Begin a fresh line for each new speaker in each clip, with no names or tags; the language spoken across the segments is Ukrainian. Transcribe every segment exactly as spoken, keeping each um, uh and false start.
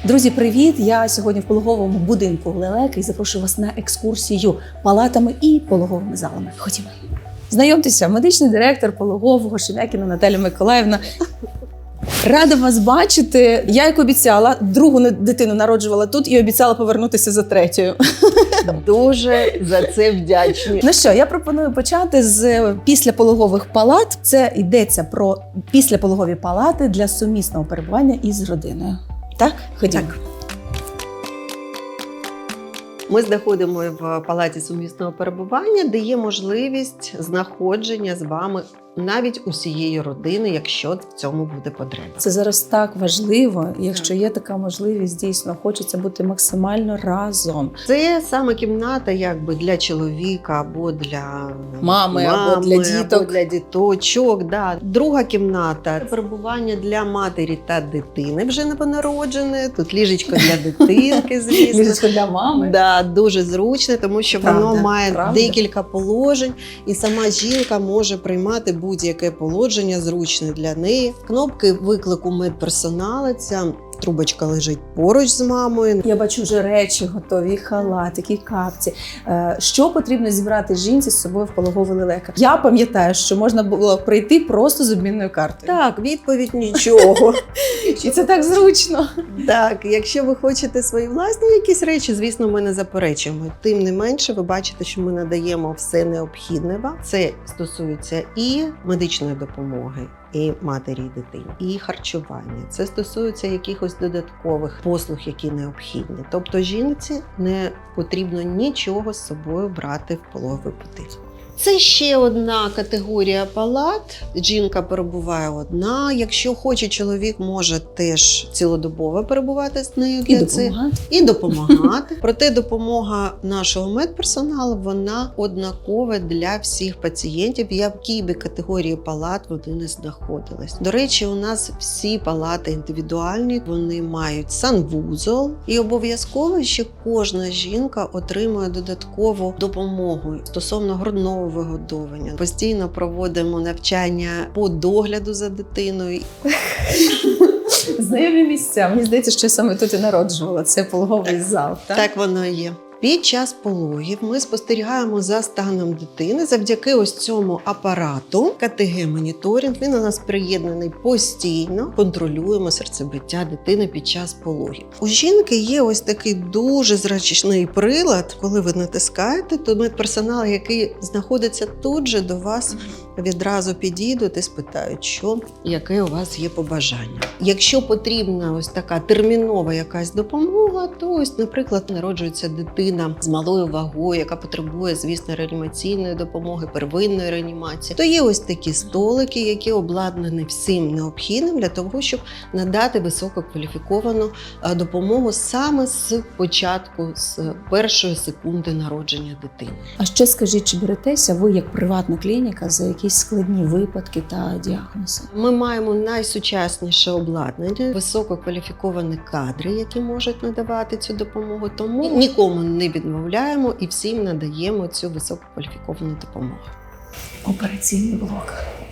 Друзі, привіт! Я сьогодні в пологовому будинку лелек і запрошую вас на екскурсію палатами і пологовими залами. Ходімо. Знайомтеся, медичний директор пологового Шем'якіна Наталя Миколаївна. Рада вас бачити. Я, як обіцяла, другу дитину народжувала тут і обіцяла повернутися за третьою.
Дуже за це вдячні.
Ну що, я пропоную почати з післяпологових палат. Це йдеться про післяпологові палати для сумісного перебування із родиною. Так? Ходімо.
Так. Ми знаходимо в палаті сумісного перебування, де є можливість знаходження з вами навіть усієї родини, якщо в цьому буде потреба.
Це зараз так важливо, якщо є така можливість, дійсно, хочеться бути максимально разом.
Це саме кімната якби для чоловіка або для
Мами,
мами,
або для діток.
або для діточок. Да. Друга кімната – перебування для матері та дитини вже новонародженої. Тут ліжечко для дитинки, звісно.
Ліжечко для мами.
Да, дуже зручне, тому що
Правда,
воно має
правда.
декілька положень, і сама жінка може приймати будь-яке положення зручне для неї. Кнопки виклику медперсоналу, ця трубочка лежить поруч з мамою.
Я бачу вже речі готові, халатики, капці. Е, Що потрібно зібрати жінці з собою в пологовий лелека? Я пам'ятаю, що можна було прийти просто з обмінною картою.
Так, відповідь – нічого.
І це так зручно.
Так, якщо ви хочете свої власні якісь речі, звісно, ми не заперечуємо. Тим не менше, ви бачите, що ми надаємо все необхідне вам. Це стосується і медичної допомоги, і матері, і дитині, і харчування. Це стосується якихось додаткових послуг, які необхідні. Тобто жінці не потрібно нічого з собою брати в пологовий будинок. Це ще одна категорія палат. Жінка перебуває одна. Якщо хоче, чоловік може теж цілодобово перебувати з нею.
І
для цих.
допомагати.
І допомагати. Проте допомога нашого медперсоналу, вона однакова для всіх пацієнтів, в якій би категорії палат вони не знаходились. До речі, у нас всі палати індивідуальні, вони мають санвузол. І обов'язково ще кожна жінка отримує додаткову допомогу стосовно грудного вигодовування. Постійно проводимо навчання по догляду за дитиною.
Знайомі місця. Мені здається, що я саме тут і народжувала. Це пологовий
Так.
зал. Так?
Так воно і є. Під час пологів ми спостерігаємо за станом дитини завдяки ось цьому апарату. ка те ге-моніторинг, він у нас приєднаний постійно. Контролюємо серцебиття дитини під час пологів. У жінки є ось такий дуже зручний прилад. Коли ви натискаєте, то медперсонал, який знаходиться тут же до вас, відразу підійдуть і спитають, що, яке у вас є побажання. Якщо потрібна ось така термінова якась допомога, то ось, наприклад, народжується дитина з малою вагою, яка потребує, звісно, реанімаційної допомоги, первинної реанімації, то є ось такі столики, які обладнані всім необхідним для того, щоб надати висококваліфіковану допомогу саме з початку, з першої секунди народження дитини.
А ще скажіть, чи беретеся ви як приватна клініка за якісь складні випадки та діагнози?
Ми маємо найсучасніше обладнання, висококваліфіковані кадри, які можуть надавати цю допомогу, тому нікому не відмовляємо і всім надаємо цю висококваліфіковану допомогу.
Операційний блок.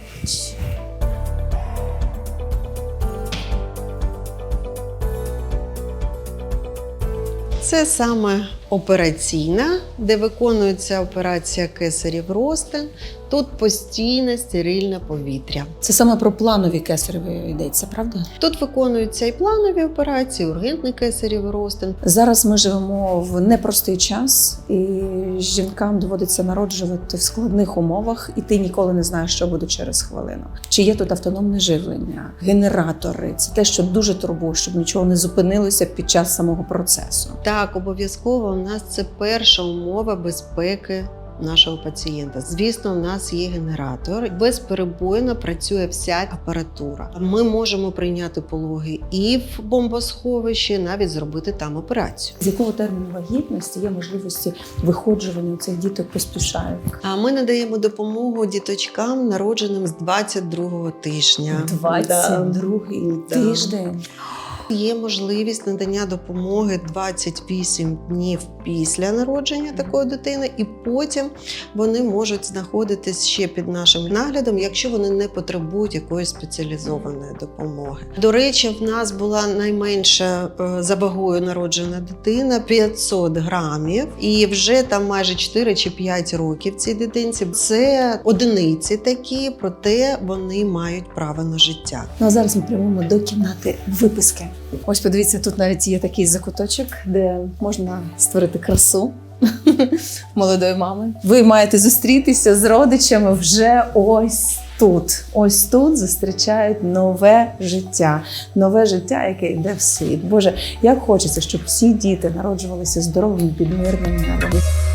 Це саме операційна, де виконується операція кесарів розтин. Тут постійне стерильне повітря.
Це саме про планові кесареві йдеться, правда?
Тут виконуються і планові операції, ургентний кесарів розтин.
Зараз ми живемо в непростий час, і жінкам доводиться народжувати в складних умовах, і ти ніколи не знаєш, що буде через хвилину. Чи є тут автономне живлення, генератори? Це те, що дуже турбує, щоб нічого не зупинилося під час самого процесу.
Так, обов'язково у нас це перша умова безпеки нашого пацієнта. Звісно, у нас є генератор. Безперебойно працює вся апаратура. Ми можемо прийняти пологи і в бомбосховищі, навіть зробити там операцію.
З якого терміну вагітності є можливості виходжування у цих діток поспішають?
А ми надаємо допомогу діточкам, народженим з двадцять другого тижня.
двадцять другий
Да.
тиждень.
Є можливість надання допомоги двадцять вісім днів після народження такої дитини, і потім вони можуть знаходитись ще під нашим наглядом, якщо вони не потребують якоїсь спеціалізованої допомоги. До речі, в нас була найменша е, за вагою народжена дитина п'ятсот грамів, і вже там майже чотири чи п'ять років цій дитинці. Це одиниці такі, проте вони мають право на життя.
Ну а зараз ми прямуємо до кімнати виписки. Ось подивіться, тут навіть є такий закуточок, де можна створити красу молодої мами. Ви маєте зустрітися з родичами вже ось тут. Ось тут зустрічають нове життя. Нове життя, яке йде в світ. Боже, як хочеться, щоб всі діти народжувалися здоровими під мирним небом.